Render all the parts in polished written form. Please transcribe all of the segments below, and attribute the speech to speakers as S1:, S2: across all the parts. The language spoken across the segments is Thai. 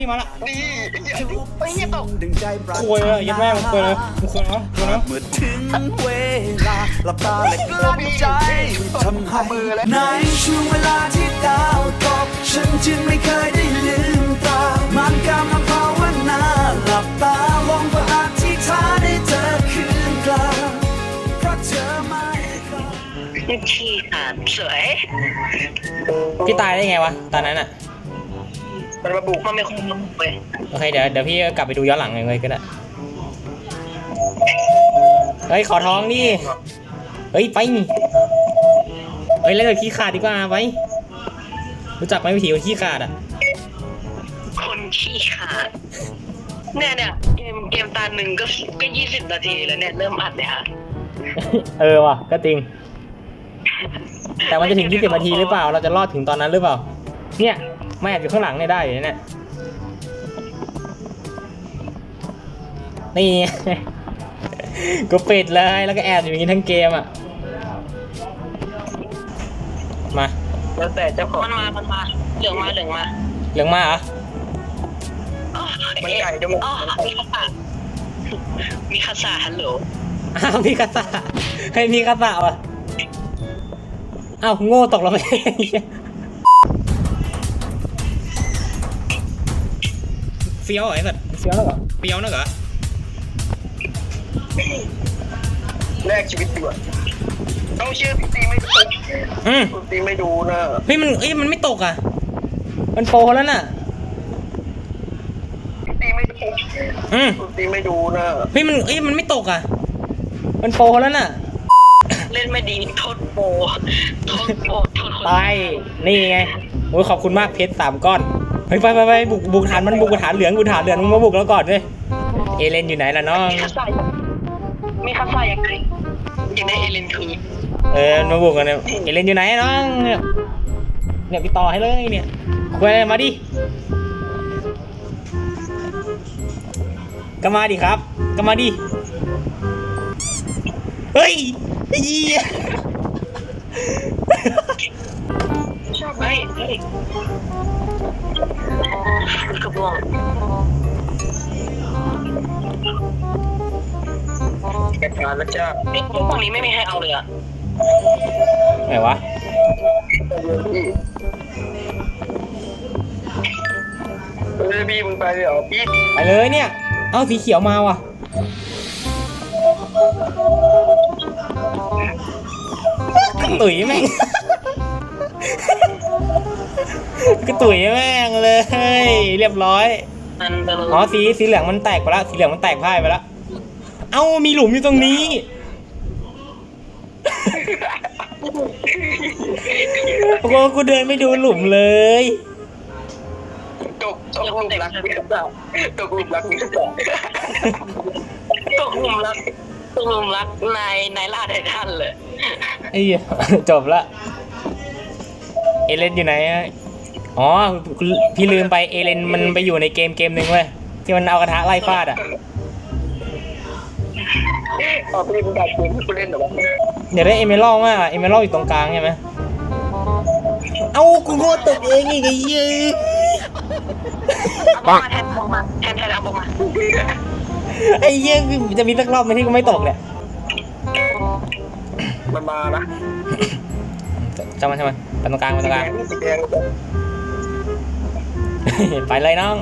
S1: มาละ
S2: นี่ไอ้เหี้ยตก
S1: คุยเลยยัดแม่มึงคุยเลยมึงคุยเนาะคุยเนาะ
S3: เมื่อถึงเวลาหลับตาและกลั้นใจทำให้ในช่วงเวลาที่ดาวตกฉันจึงไม่เคยได้ลืมตามันกำลังภาวนาหลับตาหวังว่าอธิษฐานได้เจอคืนกลางเพราะเธอไม่เคย
S2: ขี้ขาดสวย
S1: พี่ตายได้ไงวะตอนนั้นอ่ะ
S2: มันมาบุกมันไม่คงมาบุกเลย
S1: โอเคเดี๋ยวพี่กลับไปดูย้อนหลังเลยก็ได้เฮ้ยขอท้องดิเฮ้ยไปเฮ้ยเล่นกับขี้ขาดดีกว่าไปรู้จักไหมวิธีคนขี้ขาดอ่ะ
S2: คนขี้ขาดเนี่ยเกมตาหนึ่งก็20 นาทีแล้วเนี่ยเริ่มอัดเลยฮะ
S1: เออว่ะก็จริงแต่มันจะถึง20 นาทีหรือเปล่าเราจะรอดถึงตอนนั้นหรือเปล่าเนี่ยไม่แอบอยู่ข้างหลังเนี่ยได้อยู่เนี่ยนี่ ก็ปิดเลยแล้วก็แอบอยู่อย่างนี้ทั้งเกมอ่ะมา
S2: แล้วแต่เจ้าของมันมาเหลืองมา
S1: เหลืองมาเหรอ
S2: มันไก่จะหมดมีคาสาฮัลโหล
S1: อ้าวมีกระสะให้มีกระสะวะอ้าวโง่ตกลงไปเฟี้ยวไอ้สัตว์เฟี้ยวแล้วเหรอเฟี้ยวนะเหรอ
S2: แลกชีวิตดีกว่าต้องเชื่อพี่ตีไม่ตกตีไม่ดูนะ
S1: เฮ้ยมันไม่ตกอ่ะมันโปรแล้วน่ะ
S2: พี่ตีไม่ตกตีไม่ดูนะ
S1: เฮ้ยมันไม่ตกอ่ะมันโปรแล้วน่ะ
S2: เล่นไม่ดีโทษโปโทษคน
S1: ไปนี่ไงโอ้ยขอบคุณมากเพชร3 ก้อนเฮ้ยไปบุกฐานมันบุกฐานเหลืองมึงมาบุกแล้วก่อนเลยเอเลนอยู่ไหนล่ะน้อง
S2: มีคาสายังไงยังได้เอเลนคืน
S1: มาบุกกันเนี่ยเอเลนอยู่ไหนน้องเนี่ยพี่ต่อให้เลยเนี่ยคุยมาดิก็มาดิครับก็มาดิเฮ้ย
S2: ชอบไหมกระบองกระชากแล้วจ้าพวกนี้ไม่มีให้เอาเลยอะ
S1: ไหนวะ
S2: พี่มึงไปเลยเหรอพี่
S1: ไปเลยเนี่ยเอาสีเขียวมาว่ะกระตุ๋ยแม่งกระตุ๋ยแม่งเลยเรียบร้อยอ๋อสีเหลืองมันแตกไปแล้วสีเหลืองมันแตกพ่ายไปแล้วเอ้ามีหลุมอยู่ตรงนี้โอ้โหกูเดินไม่ดูหลุมเลย
S2: ตกหลุมรักนี่หรือเปล่าตกหลุมรักนี่หรือเปล่าตกหลุมรักในล่าไททันเลย
S1: ไอ้เหี้ยจบละเอเลนอยู่ไหนอ๋อพี่ลืมไปเอเลนมันไปอยู่ในเกมหนึ่งเว้ยที่มันเอากระทะไล่ฟาดอ่ะ
S2: พี่มึงดักปืนที่กูเล่นหรอวะ
S1: เดี๋ยวได้เอเมอรัลด์มากเอเมอรัลด์อยู่ตรงกลางใช่ไหมเอ้ากูโง่ตกเองอีกไอ้เหี้ย
S2: ปังแทนเอาบอกมา
S1: ไอ้เหี้ยจะมีสักรอบไหมที่กูไม่ตกเนี่ย
S2: มันมานะ
S1: จำมันไปตรงกลางไปเลยน้อง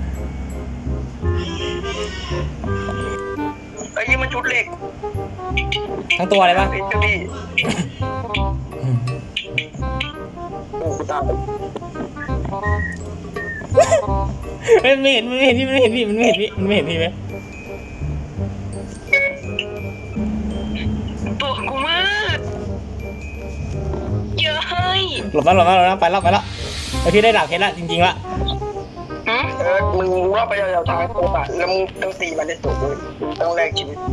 S2: ไอ้ยี่มันชุดเหล็ก
S1: ทั้งตัวเลยปะ
S2: โอ้กูตาย
S1: ไม่เห็นพี่มันไม่เห็นพี่ไหม
S2: ตัวกูมากเยอะเฮ้ย
S1: หลบแล้วไปแล้วไอพี่ได้ดาบเพชรละจริงๆละ
S2: มึงว่าไปยาวๆทางโคบะแล้วมึงต้องตีมันได้ตัวเลยต้องแลกชีวิต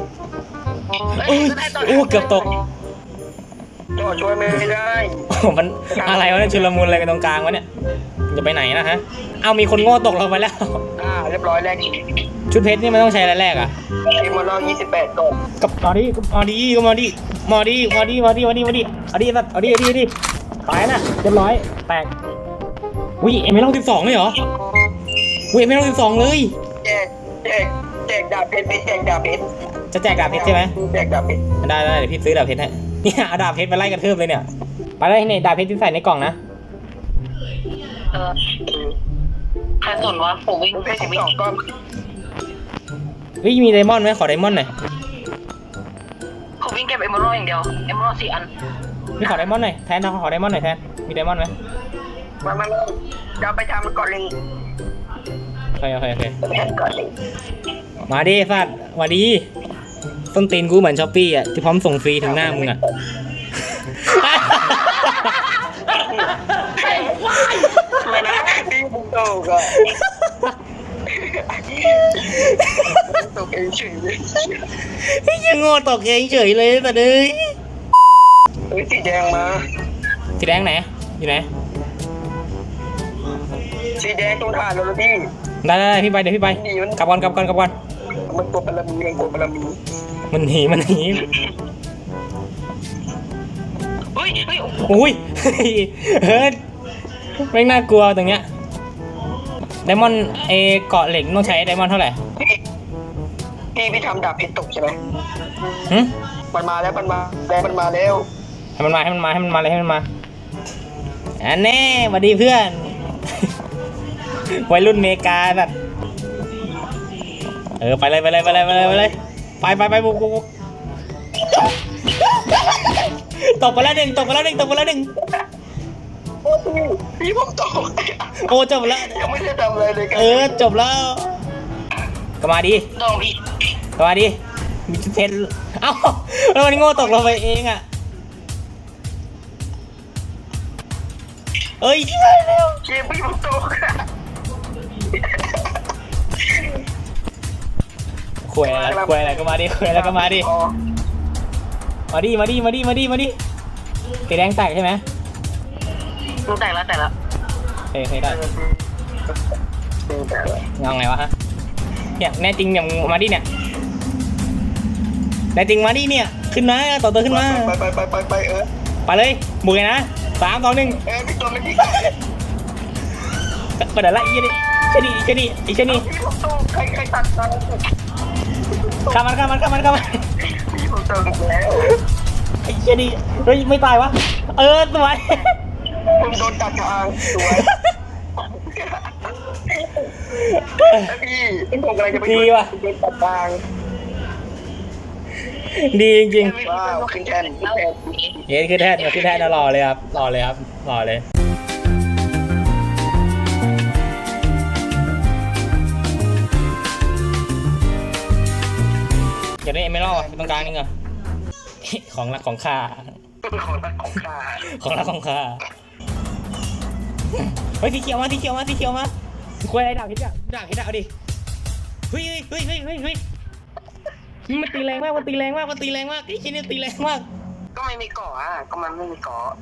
S1: โอ้เกือบตก
S2: ต่อช่วยไม่ได้
S1: มันอะไรวะเนี่ยชุลมุนอะไรกันตรงกลางวะเนี่ยจะไปไหนนะฮะเอามีคนโง่ตกลงไปแล้ว
S2: เรียบร้อยแลก
S1: ชุดเพชรนี่มันต้องใช้อะไรแรกอ่ะ
S2: ทีมเรา28 ก่อน
S1: กับมาดิเอาดิตายนะเรียบร้อยแตกอุ้ยเอเมอรัลด์12เลยเหรออุ้ยไม่ต้อง12เลย
S2: แจกดาบเพชรแจกดาบเพชร
S1: จะแจกดาบเพชรใช่ไหม
S2: แจกดาบเพชร
S1: ได้เดี๋ยวพี่ซื้อดาบเพชรให้เนี่ยเอาดาบเพชรไปไล่กระทืบเลยเนี่ยไปเลยเนี่ยดาบเพชรที่ใส่ในกล่องนะ
S2: ใครสนวะผมวิ่งเพชร12ก้อน
S1: เฮ้ยมีไดมอนด์ไหมขอไดมอนด์หน่อย
S2: ผมวิ่งเก็บเอมอรัลอย่างเดียวเอมอรัล4 อัน
S1: พี่ขอไดมอนด์หน่อยแทนขอไดมอนด์หน่อยแทนมีไดมอนด์ไหม
S2: มาจะไปทำก่อนเลย
S1: โอเค
S2: ไปทำก่อนเลย
S1: มาดิสัตว์มาดิต้นตีนกูเหมือนช้อปปี้อ่ะที่พร้อมส่งฟรีถึงหน้ามึงอ่ะ
S2: ไม่นะดิ้งตกอ่ะตกเองเฉยเลย
S1: ยังโง่ตกเองเฉยเลยแต่เด้ย
S2: สีแดงมา
S1: สีแดงไหนอยู่ไหน
S2: สีแดงตรงฐานเราพี่
S1: ได้พี่ไปเดี๋ยวพี่ไปกลับก่อน
S2: มันตัวปรมีมันตัวปรมี
S1: มันหนี
S2: เฮ้ย
S1: อุ้ยเฮ้ยไม่น่ากลัวตรงเนี้ยไดมอนด์เกาะเหล็กต้องใช้ไดมอนด์เท่าไหร่
S2: พี่ทำดาบเพชรตกใช่ไหม
S1: หึ
S2: มันมาแล้ว
S1: ให้มันมาอันแน่มาดีเพื่อน วัยรุ่นเมกาแบบไปเลยไปบุกตกไปแล้วหนึ่ง
S2: พี่ผมตก
S1: โอ้จบแล้ว
S2: ยังไม่ได้ทำอะไรเลยกัน
S1: จบแล้วก็มาดิ
S2: โดนพี่
S1: ก็มาดิมีจุดเพชรเอ้าแล้วมันโง่ตกลงไปเองอ่ะช่วยเร็ว
S2: เกมพี่ผมตก
S1: คุยอะไรก็มาดิมาดิสีแดงแตกใช่ไหม
S2: รู้แต่แล้ว
S1: เคยได้เอาไงวะฮะเนี่ยแน่จริงเนี่ยมาดิเนี่ยแน่จริงมาดิเนี่ยขึ้นมาต่อตัวขึ้นมาไปเลยบุกเลยนะ3 2 1
S2: พี่ตัวไม่ดี
S1: ไปเดี๋ยวละอีนี่เชนี่
S2: พี่ผมตกใครตัดกัน
S1: ข้ามมัน
S2: พี่ผมตกแล้ว
S1: ไอ้เชนี่เฮ้ยไม่ตายวะสวย
S2: ผมโดนตัดทางสวยพี่ผมกำลังจะไปโดนตัดทาง
S1: ดีจริง
S2: ว้าวขึ้นแทน
S1: ๆขึ้นแท่นรอเลยครับรอเลยอยากได้เอเมอรัลด์ตรงกลางนี่เหรอของรักของข้าเฮ้ยสีเขียวมาคุยอะไรดาบเพชรเอาดิเฮ้ยมันตีแรงมากไอ้ชิ้นนี้ตีแรงมาก
S2: ก็ไม่มีเกาะอ่ะก็มันไม่มีเกาะ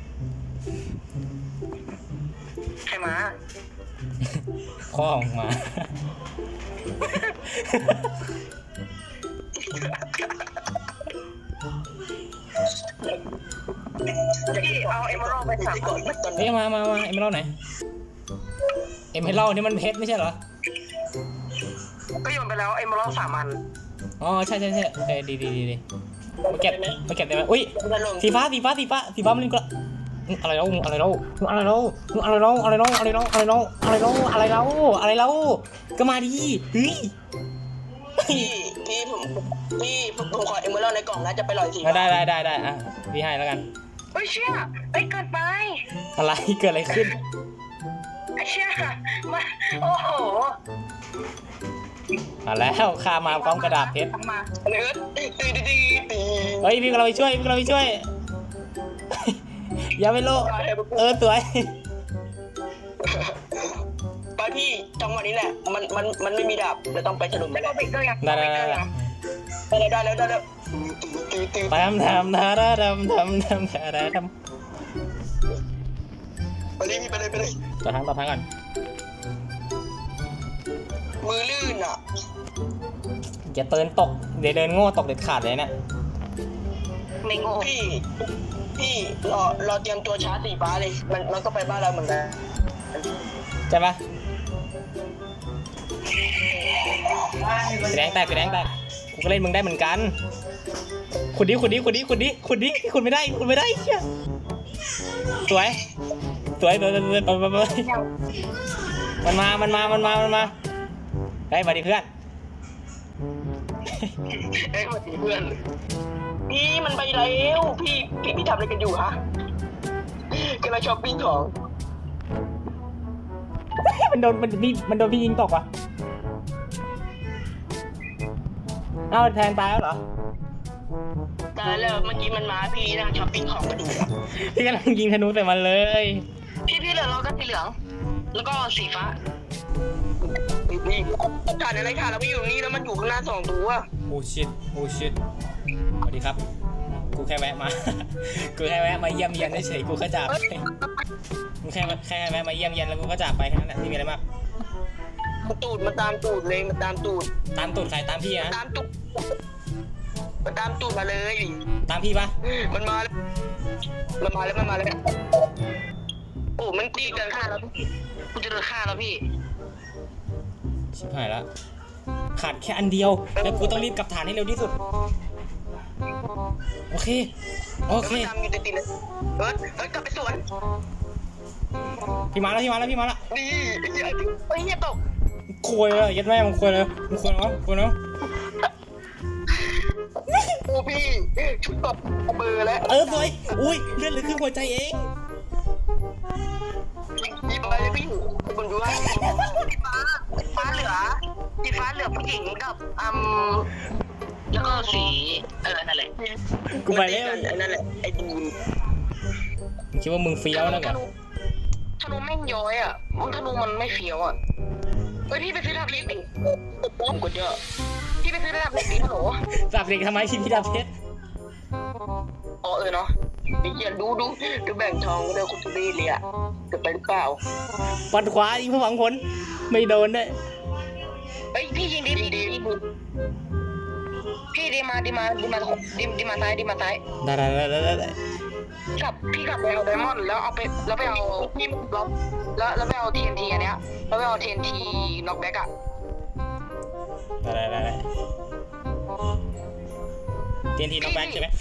S2: ใครมา
S1: ข้อออกมา
S2: พี่เอาเอมอรัลไป3 ก่อน
S1: เฮ้ยมาเอเมอรัลด์ไหนเอเมอรัลด์นี่มันเพชรไม่ใช่เหรอ
S2: ก็โยนไปแล้วเอมอรัล3 อัน
S1: อ๋อใช่ดีมาเก็บได้ไหมอุ้ยสีฟ้ามันนี่ก็อะไรแล้วก็มาดิเฮ้ย
S2: ผมขอเอมอรัลในกล่องนะจะไปลอยสี
S1: ได้อ่ะพี่ให้แล้วกัน
S2: เฮ้ยเชี่ยเฮ้ยเกินไป
S1: อะไรเกิดอะไรขึ้น
S2: เชี่ยมาโอ้โห
S1: มาแล้วข้ามาพร้อมกระดาษเพชร
S2: มาเนื้อตี
S1: เฮ้ยพี่กำลังไปช่วยอย่าไปโลสวย
S2: ไปพี่จังหวะนี้แหละมันไม่มีดาบเราต้องไปฉลุมไปแล้ว
S1: ได้
S2: ได้แล้วตี
S1: ทำ
S2: ไปเลย
S1: ต่อทางก่อน
S2: มือลื่นอ่ะ
S1: อย่าเดินโง่ตกเด็ดขาดเลยเนี่ย
S2: ไม่โง่พี่รอเตรียมตัวชาร์จสีฟ้าเลยมันก็ไปบ้านเราเหมือนกัน
S1: ใช่ปะสีแดงแตกกูก็เล่นมึงได้เหมือนกันขุดดิขุดไม่ได้เชี่ยสวยมันมาได้มาดิเพื่อน
S2: เอ้ยมาตีเพื่อนพี่มันไปแล้วพี่ทำอะไรกันอยู่ฮะกำลังช้อปปิ้งของ
S1: มันโดนพี่ยิงตกว่ะเอ้าแทนตายแล้วเหรอ
S2: ตายแล้วเมื่อกี้มันมาพี่นั่งช้อปปิ้งของกันอยู่
S1: พี่กำลังยิงธนูใส่มันเลย
S2: พี่เหลือเราก็สีเหลือง แล้วก็สีฟ้านี่ถ่านอะไรถ่านเราไม่อยู่นี่แล้วมันอยู่ข้างหน้า2 ตัว
S1: โอ้ชิตสวัสดีครับกูแค่แวะมา เยี่ยมเยียนเฉยๆกูก็จากไปกูแค่แวะมาเยี่ยมเยียนแล้วกูก็จากไปแค่นั้นแหละไม่มีอะไรมาก
S2: มันตามตูดเลยมันตามตูด
S1: ตามตูดใครตามพี่นะ
S2: ตามตูดมันตามตูดมาเลย
S1: ตามพี่ปะ
S2: มันมาแล้วโอ้มันตีกันฆ่าแล้วกูจะโดนฆ่าแล้วพี่
S1: ชิบหายละขาดแค่อันเดียวแล้วกูต้องรีบกลับฐานให้เร็วที่สุดโอเค
S2: ตามอยู่ติดๆเลยเอิร์ธกลับไปสวน
S1: พี่มาแล้ว
S2: ดีไอ้เหี้ยตก
S1: คุยเลยยัดแม่มึงคุยเลยเนาะ
S2: โอ้พี่ชุดตบเบอร์แล้ว
S1: สวยอุ้ยเลื่อนเหลือครึ่งหัวใจเอง
S2: ยิบไปเลยพี่คุณดูว่าฟ้าเหลือสีฟ้าเหลือผู้หญิงกับแล้วก็สีนั่นแหละ
S1: กูไปแล้ว
S2: นั่นแหละไอ้ดูน
S1: คิดว่ามึงเฟี้ยวนะกัน
S2: ธนูแม่งย้อยอ่ะธนูมันไม่เฟี้ยวอ่ะเฮ้ยพี่ไปซื้อดาบเล็กดิผมกดเยอะพี่ไปซื้อดาบเล็กดิฮัลโหล
S1: จับเด็กทำไมพี่ดาบเพชร
S2: อ๋อเนาะไอ้เหี้ยดูแบ่งทองก็เดี๋ยวคุณจะดีเลยอ่ะจะไปหรือเปล่า
S1: ปัดขวายิงผู้หวังผลไม่โดนด้วย
S2: เฮ้ยพี่ยิงดีพี่ดีมาซ้ายได้พี่กลับไปเอาไดมอนด์แล้วไปเอาพี่แล้วไปเอา TNT อันเนี้ยแล้วไปเอา TNT น็อกแบ็กอ่ะ
S1: ได้เตียนทีน้องแบ็คใช่ไหม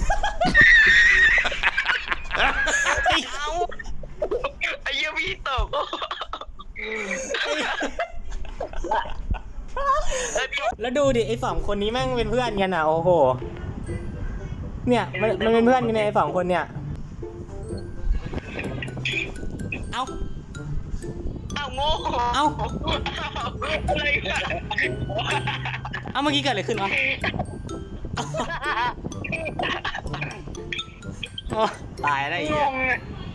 S2: เอาไอ้เหี้ยพี่ตก
S1: แล้วดูดิไอ้2 คนนี้แม่งเป็นเพื่อนกันอ่ะโอ้โหเนี่ยมันเป็นเพื่อนกันไอ้2 คนเนี่ยเอา
S2: โง่ อะไรกัน
S1: เมื่อกี้เกิดอะไรขึ้นวะตายแล้วไอ้เหี้ย
S2: งง